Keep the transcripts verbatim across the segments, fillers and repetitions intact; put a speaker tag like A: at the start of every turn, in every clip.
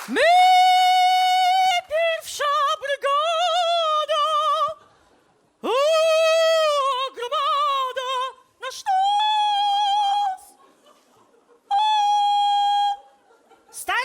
A: My, pierwsza brygada, o, gromada, na sztos! O! Stary!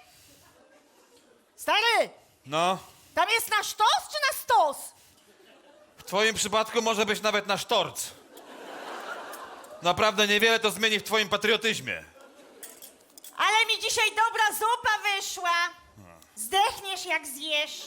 A: Stary!
B: No,
A: Tam jest na sztos czy na stos?
B: w twoim przypadku może być nawet na sztorc. Naprawdę niewiele to zmieni w twoim patriotyzmie.
A: Ale mi dzisiaj dobra zupa wyszła. Zdechniesz jak zjesz.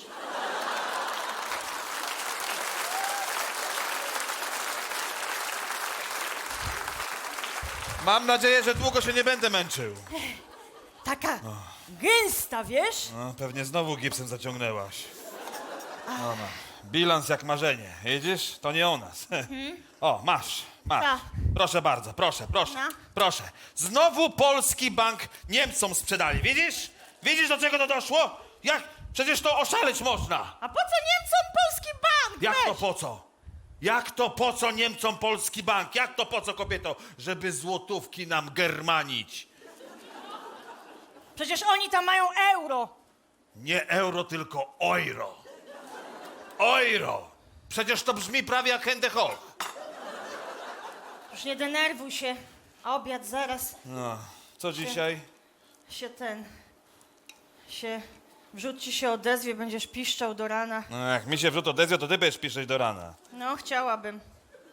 B: Mam nadzieję, że długo się nie będę męczył.
A: Taka gęsta, wiesz?
B: No, pewnie znowu gipsem zaciągnęłaś. No, no. Bilans jak marzenie. Widzisz? To nie o nas. O, masz, masz.
A: Tak.
B: Proszę bardzo, proszę, proszę,
A: No.
B: proszę. Znowu polski bank Niemcom sprzedali. Widzisz? Widzisz, do czego to doszło? Jak? Przecież to oszaleć można.
A: A po co Niemcom polski bank?
B: Jak to
A: Weź.
B: po co? Jak to po co Niemcom polski bank? Jak to po co, kobieto? Żeby złotówki nam germanić.
A: Przecież oni tam mają euro.
B: Nie euro, tylko euro. Euro. Przecież to brzmi prawie jak Hendehoch.
A: Już nie denerwuj się. Obiad zaraz
B: No, co dzisiaj?
A: się ten... się... Wrzód ci się odezwie, będziesz piszczał do rana.
B: No, jak mi się wrzut odezwie, to ty będziesz piszeć do rana.
A: No, chciałabym.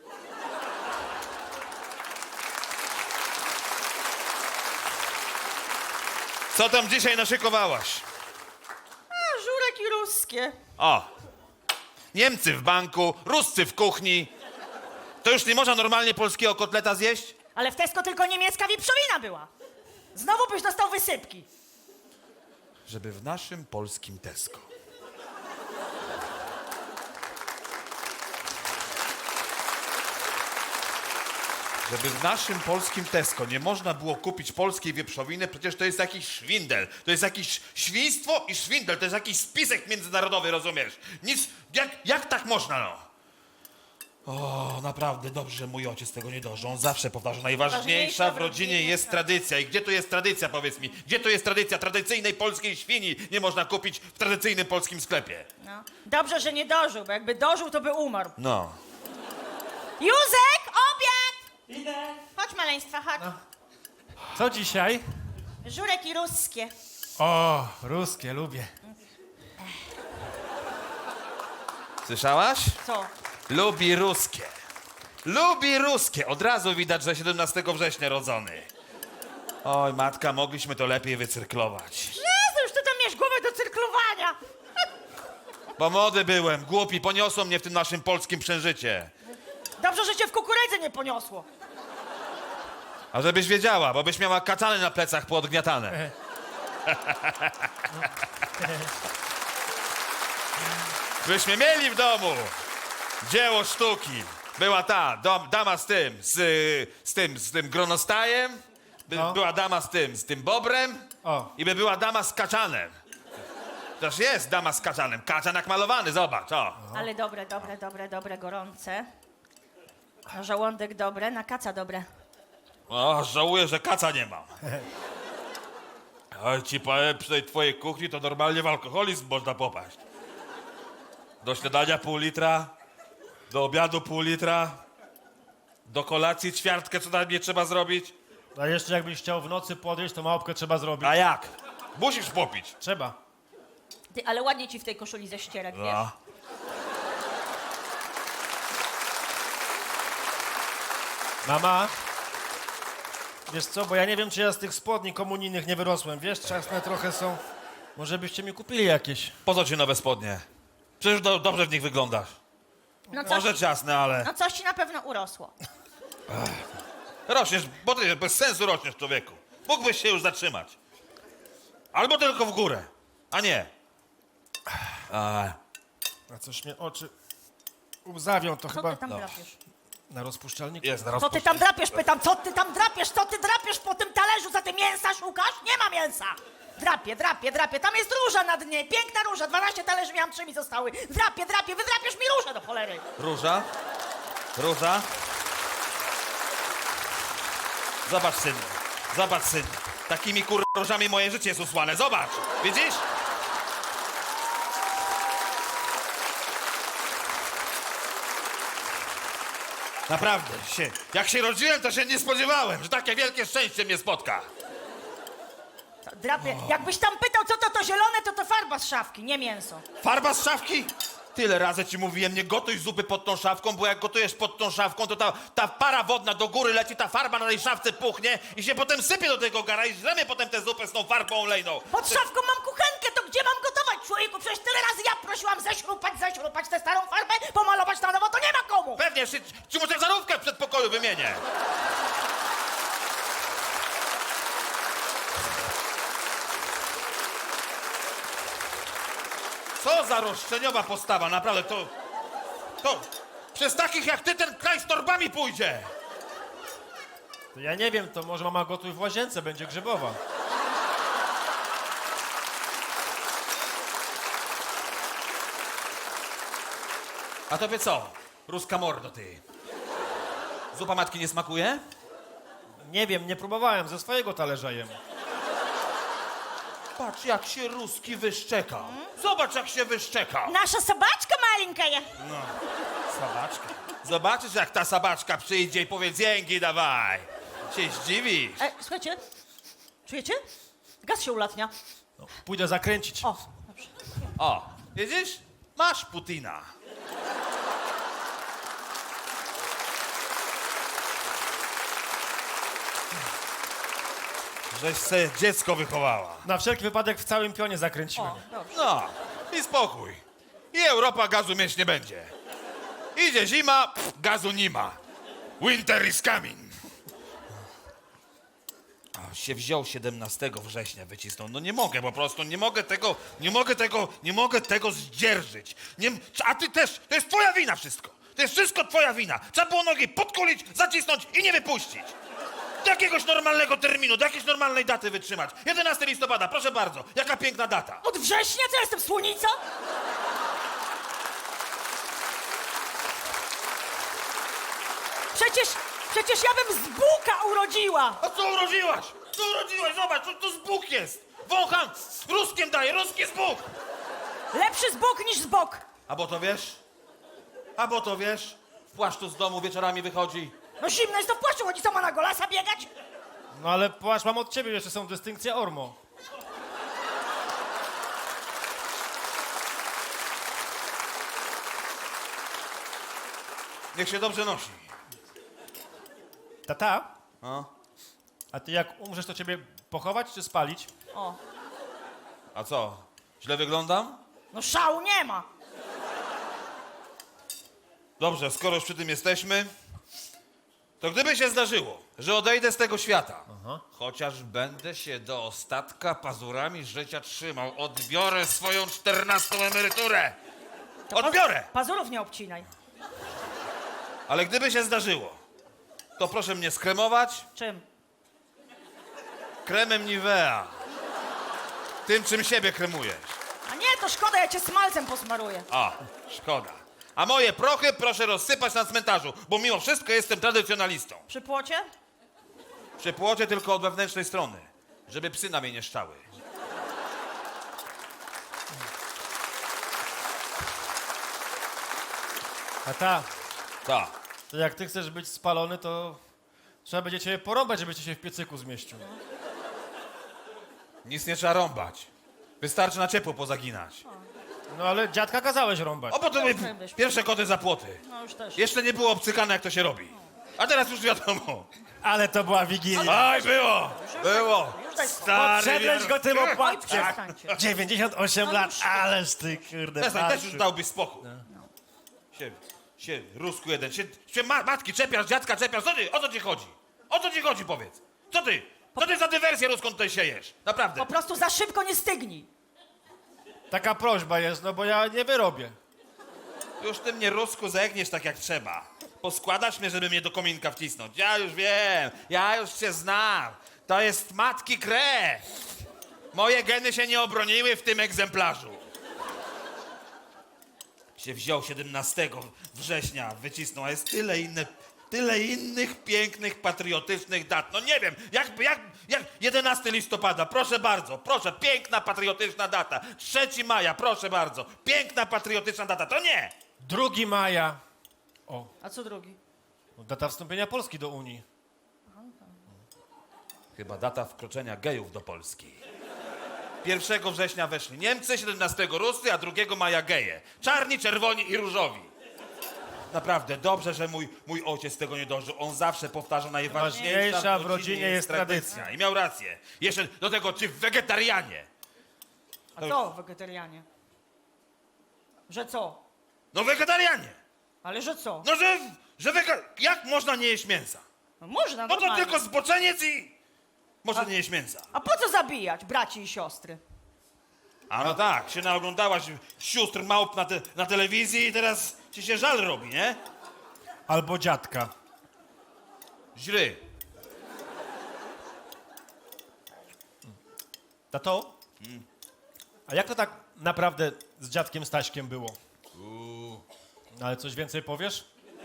B: Co tam dzisiaj naszykowałaś?
A: A, żurek i ruskie.
B: O, Niemcy w banku, Ruscy w kuchni. To już nie można normalnie polskiego kotleta zjeść?
A: Ale w Tesco tylko niemiecka wieprzowina była. Znowu byś dostał wysypki.
B: Żeby w naszym polskim Tesco. Żeby w naszym polskim Tesco nie można było kupić polskiej wieprzowiny, przecież to jest jakiś szwindel. To jest jakieś świństwo i szwindel. To jest jakiś spisek międzynarodowy, rozumiesz? Nic, jak, jak tak można, no? O, naprawdę dobrze, że mój ojciec tego nie dożył. On zawsze powtarza, najważniejsza w rodzinie jest tradycja. I gdzie tu jest tradycja, powiedz mi? Gdzie tu jest tradycja? Tradycyjnej polskiej świni nie można kupić w tradycyjnym polskim sklepie.
A: No. Dobrze, że nie dożył, bo jakby dożył, to by umarł.
B: No.
A: Józek, obiad!
C: Idę.
A: Chodź, maleństwa, chodź.
C: Co dzisiaj?
A: Żurek i ruskie.
C: O, ruskie, lubię.
B: Słyszałaś?
A: Co?
B: Lubi ruskie. Lubi ruskie. Od razu widać, że siedemnastego września rodzony. Oj, matka, mogliśmy to lepiej wycyrklować.
A: Jezu, już ty tam miałeś głowę do cyrklowania.
B: Bo młody byłem, głupi, poniosło mnie w tym naszym polskim przężycie.
A: Dobrze, że cię w kukurydzy nie poniosło.
B: A żebyś wiedziała, bo byś miała katany na plecach poodgniatane. Byśmy mieli w domu dzieło sztuki. Była ta dom, dama z tym, z, z tym, z tym gronostajem. By,
C: No.
B: Była dama z tym, z tym bobrem.
C: O.
B: I by była dama z kaczanem. Toż jest dama z kaczanem. Kaczan jak malowany, zobacz, o.
A: Ale dobre, dobre, dobre, dobre, gorące. Na żołądek dobre, na kaca dobre.
B: O, żałuję, że kaca nie mam. Oj, ci powiem, przy tej twojej kuchni to normalnie w alkoholizm można popaść. Do śniadania pół litra, do obiadu pół litra, do kolacji ćwiartkę, co tam nie trzeba zrobić.
C: A jeszcze jakbyś chciał w nocy podjeść, to małpkę trzeba zrobić.
B: A jak? Musisz popić.
C: Trzeba.
A: Ty, ale ładnie ci w tej koszuli ze ścierek, wiesz?
B: No.
C: Mama, wiesz co, bo ja nie wiem, czy ja z tych spodni komunijnych nie wyrosłem. Wiesz, czasne trochę są. Może byście mi kupili jakieś.
B: Po co ci nowe spodnie? Przecież do, dobrze w nich wyglądasz.
A: No coś,
B: Może ciasne, ale
A: no coś ci na pewno urosło.
B: rośniesz, bo ty bez sensu rośniesz, człowieku. Mógłbyś się już zatrzymać. Albo tylko w górę, a nie. A,
C: A coś mnie oczy łzawią, to
A: Co
C: chyba
A: ty tam
B: no.
A: drapiesz?
C: na rozpuszczalniku.
B: jest na
A: Co ty
B: rozpoczęcie.
A: tam drapiesz, pytam, co ty tam drapiesz, co ty drapiesz po tym talerzu, za ty mięsa szukasz? Nie ma mięsa! Drapie, drapie, drapie, tam jest róża na dnie, piękna róża, dwanaście talerzy miałam, trzy mi zostały. Drapie, drapie, wydrapiesz mi różę do cholery.
B: Róża? Róża? Zobacz, synu. Zobacz, synu. Takimi kur... różami moje życie jest usłane. Zobacz, widzisz? Naprawdę, się, jak się rodziłem, to się nie spodziewałem, że takie wielkie szczęście mnie spotka.
A: Drapie, jakbyś tam pytał, co to to zielone, to to farba z szafki, nie mięso.
B: Farba z szafki? Tyle razy ci mówiłem, nie gotuj zupy pod tą szafką, bo jak gotujesz pod tą szafką, to ta, ta para wodna do góry leci, ta farba na tej szafce puchnie i się potem sypie do tego gara i żremy potem tę zupę z tą farbą olejną.
A: Pod szafką mam kuchenkę, to gdzie mam gotować, człowieku? Przecież tyle razy ja prosiłam ześrupać, ześrupać tę starą farbę, pomalować na nowo, to nie ma komu.
B: Pewnie, ci, ci może żarówkę w przedpokoju wymienię. Co za roszczeniowa postawa, naprawdę, to... To... Przez takich jak ty ten kraj z torbami pójdzie.
C: To ja nie wiem, to może mama gotuj w łazience, będzie grzybowa.
B: A tobie co? Ruska mordo, ty. Zupa matki nie smakuje?
C: Nie wiem, nie próbowałem, ze swojego talerza jem.
B: Patrz, jak się Ruski wyszczekał. Zobacz, jak się wyszczekał.
A: Nasza sobaczka maleńka je.
B: Sabaczka. Zobaczysz, jak ta sabaczka przyjdzie i powie dzięki, dawaj. Się zdziwisz.
A: E, słuchajcie, czujecie? Gaz się ulatnia.
C: No, pójdę zakręcić.
A: O, dobrze.
B: O, widzisz? Masz Putina. Żeś se dziecko wychowała.
C: Na wszelki wypadek w całym pionie zakręciłem.
A: O, dobrze.
B: No, i spokój. I Europa gazu mieć nie będzie. Idzie zima, pff, gazu nie ma. Winter is coming. A, się wziął siedemnastego września, wycisnął. No nie mogę po prostu, nie mogę tego, nie mogę tego, nie mogę tego zdzierżyć. Nie, a ty też, to jest twoja wina wszystko. To jest wszystko twoja wina. Trzeba było nogi podkulić, zacisnąć i nie wypuścić. Do jakiegoś normalnego terminu, do jakiejś normalnej daty wytrzymać. jedenastego listopada, proszę bardzo, jaka piękna data.
A: Od września? Co ja jestem, słonica? Przecież, przecież ja bym z buka urodziła.
B: A co urodziłaś? Co urodziłaś? Zobacz, to, to z Bóg jest. Wącham, ruskiem daje, ruski z Bóg.
A: Lepszy z bok niż z bok.
B: A bo to wiesz? A bo to wiesz? W płaszczu z domu wieczorami wychodzi.
A: No zimno jest to w płaszczu, chodzi sama na golasa biegać.
C: No ale płaszcz mam od ciebie, jeszcze są dystynkcje Ormo.
B: Niech się dobrze nosi.
C: Tata,
B: A,
C: a ty jak umrzesz, to ciebie pochować czy spalić?
A: O,
B: a co? Źle wyglądam?
A: no szału nie ma.
B: Dobrze, skoro już przy tym jesteśmy, to gdyby się zdarzyło, że odejdę z tego świata, chociaż będę się do ostatka pazurami życia trzymał, odbiorę swoją czternastą emeryturę. Odbiorę!
A: Pazurów nie obcinaj.
B: Ale gdyby się zdarzyło, to proszę mnie skremować
A: Czym?
B: kremem Nivea. Tym, czym siebie kremujesz.
A: A nie, to szkoda, ja cię smalcem posmaruję.
B: A, szkoda. A moje prochy proszę rozsypać na cmentarzu, bo mimo wszystko jestem tradycjonalistą.
A: Przy płocie?
B: Przy płocie tylko od wewnętrznej strony, żeby psy na mnie nie szczały.
C: Tata,
B: Tak.
C: to jak ty chcesz być spalony, to trzeba będzie ciebie porąbać, żebyś się w piecyku zmieścił.
B: Nic nie trzeba rąbać. Wystarczy na ciepło pozaginać.
C: No ale dziadka kazałeś rąbać.
B: O, bo to były
A: Dobrze, wiesz.
B: pierwsze koty za płoty.
A: No już też.
B: Jeszcze nie było obcykane, jak to się robi. A teraz już wiadomo.
C: Ale to była wigilia.
B: Aj, było! Było!
A: Już daj spokój.
B: Stary
C: Podszedłeś
B: wier-
C: go tym
A: Oj,
C: opłatkiem.
A: przestańcie.
C: dziewięćdziesiąt osiem
A: No
C: lat,
A: już.
C: ależ ty kurde.
B: Przestań, też
C: patrz.
B: już dałbyś spokój. Się, się, Rusku jeden, się, się ma, matki czepiasz, dziadka czepiasz, co ty, o co ci chodzi? O co ci chodzi, powiedz? Co ty? Co ty za dywersję ruską tutaj siejesz? Naprawdę.
A: Po prostu za szybko nie stygnij.
C: Taka prośba jest, no bo ja nie wyrobię.
B: Już ty mnie, Rusku, zegniesz tak jak trzeba. Poskładasz mnie, żeby mnie do kominka wcisnąć. Ja już wiem, ja już cię znam. To jest matki krew. Moje geny się nie obroniły w tym egzemplarzu. Się wziął siedemnastego września, wycisnął, a jest tyle inne tyle innych pięknych, patriotycznych dat. No nie wiem, jak, jak, jak jedenastego listopada, proszę bardzo, proszę, piękna, patriotyczna data. trzeciego maja, proszę bardzo, piękna, patriotyczna data, to nie!
C: drugiego maja. O,
A: A co drugi?
C: data wstąpienia Polski do Unii.
B: Chyba data wkroczenia gejów do Polski. pierwszego września weszli Niemcy, siedemnastego Ruscy, a drugiego maja geje. Czarni, czerwoni i różowi. Naprawdę, dobrze, że mój, mój ojciec tego nie dożył. On zawsze powtarza najważniejsza
C: Ważniejsza w rodzinie jest tradycja.
B: I miał rację. Jeszcze do tego, czy wegetarianie.
A: A co wegetarianie? Że co?
B: No wegetarianie!
A: Ale że co?
B: No że, że wega... Jak można nie jeść mięsa?
A: No można,
B: No to
A: normalnie.
B: tylko zboczeniec i... Może nie jeść mięsa.
A: A po co zabijać braci i siostry?
B: A no tak, się naoglądałaś sióstr małp na, te, na telewizji i teraz ci się żal robi, nie?
C: Albo dziadka.
B: Źry.
C: Tato? A jak to tak naprawdę z dziadkiem Staśkiem było?
B: Uuu.
C: Ale coś więcej powiesz?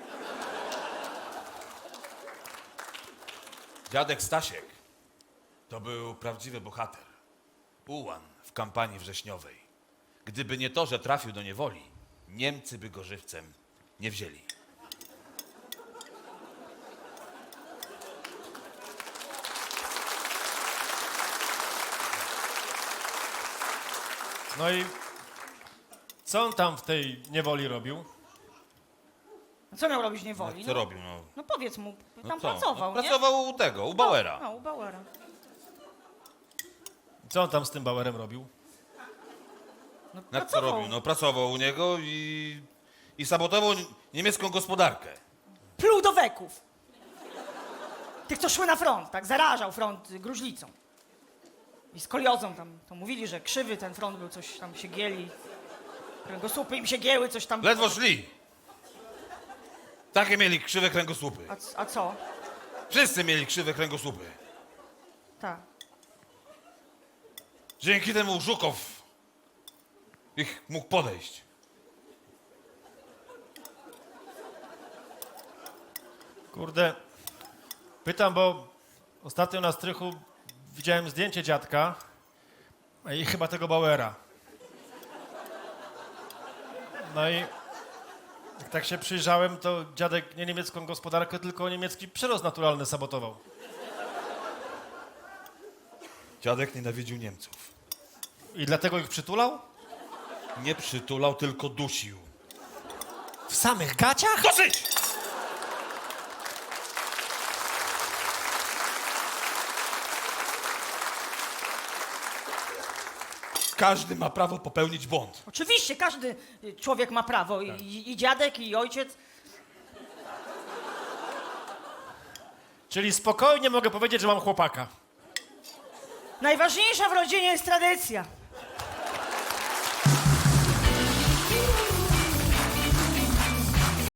B: Dziadek Stasiek to był prawdziwy bohater. Ułan w kampanii wrześniowej. Gdyby nie to, że trafił do niewoli, Niemcy by go żywcem nie wzięli.
C: No i co on tam w tej niewoli robił?
A: A co miał robić w niewoli?
B: Co
A: No,
B: robił, no?
A: no powiedz mu,
B: No
A: tam
B: co?
A: pracował,
B: no,
A: nie?
B: Pracował u tego, u Bauera.
A: No, u Bauera.
C: Co on tam z tym Bauerem robił?
A: No,
B: Na co
A: pracował.
B: robił? No pracował u niego i, i sabotował niemiecką gospodarkę.
A: Pluł do weków. Tych, co szły na front, tak? Zarażał front y, gruźlicą. I z koliozą tam, to mówili, że krzywy ten front był, coś tam się gieli. Kręgosłupy im się gięły, coś tam...
B: Ledwo szli. Takie mieli krzywe kręgosłupy.
A: A, c- a co?
B: Wszyscy mieli krzywe kręgosłupy.
A: Tak.
B: Dzięki temu Żukow ich mógł podejść.
C: Kurde, pytam, bo ostatnio na strychu widziałem zdjęcie dziadka i chyba tego Bauera. No i jak tak się przyjrzałem, to dziadek nie niemiecką gospodarkę, tylko niemiecki przyrost naturalny sabotował.
B: Dziadek nienawidził Niemców.
C: I dlatego ich przytulał?
B: Nie przytulał, tylko dusił.
C: W samych gaciach?
B: Dosyć! Każdy ma prawo popełnić błąd.
A: Oczywiście, każdy y, człowiek ma prawo. I, i, i dziadek, i ojciec.
C: Czyli spokojnie mogę powiedzieć, że mam chłopaka.
A: Najważniejsza w rodzinie jest tradycja.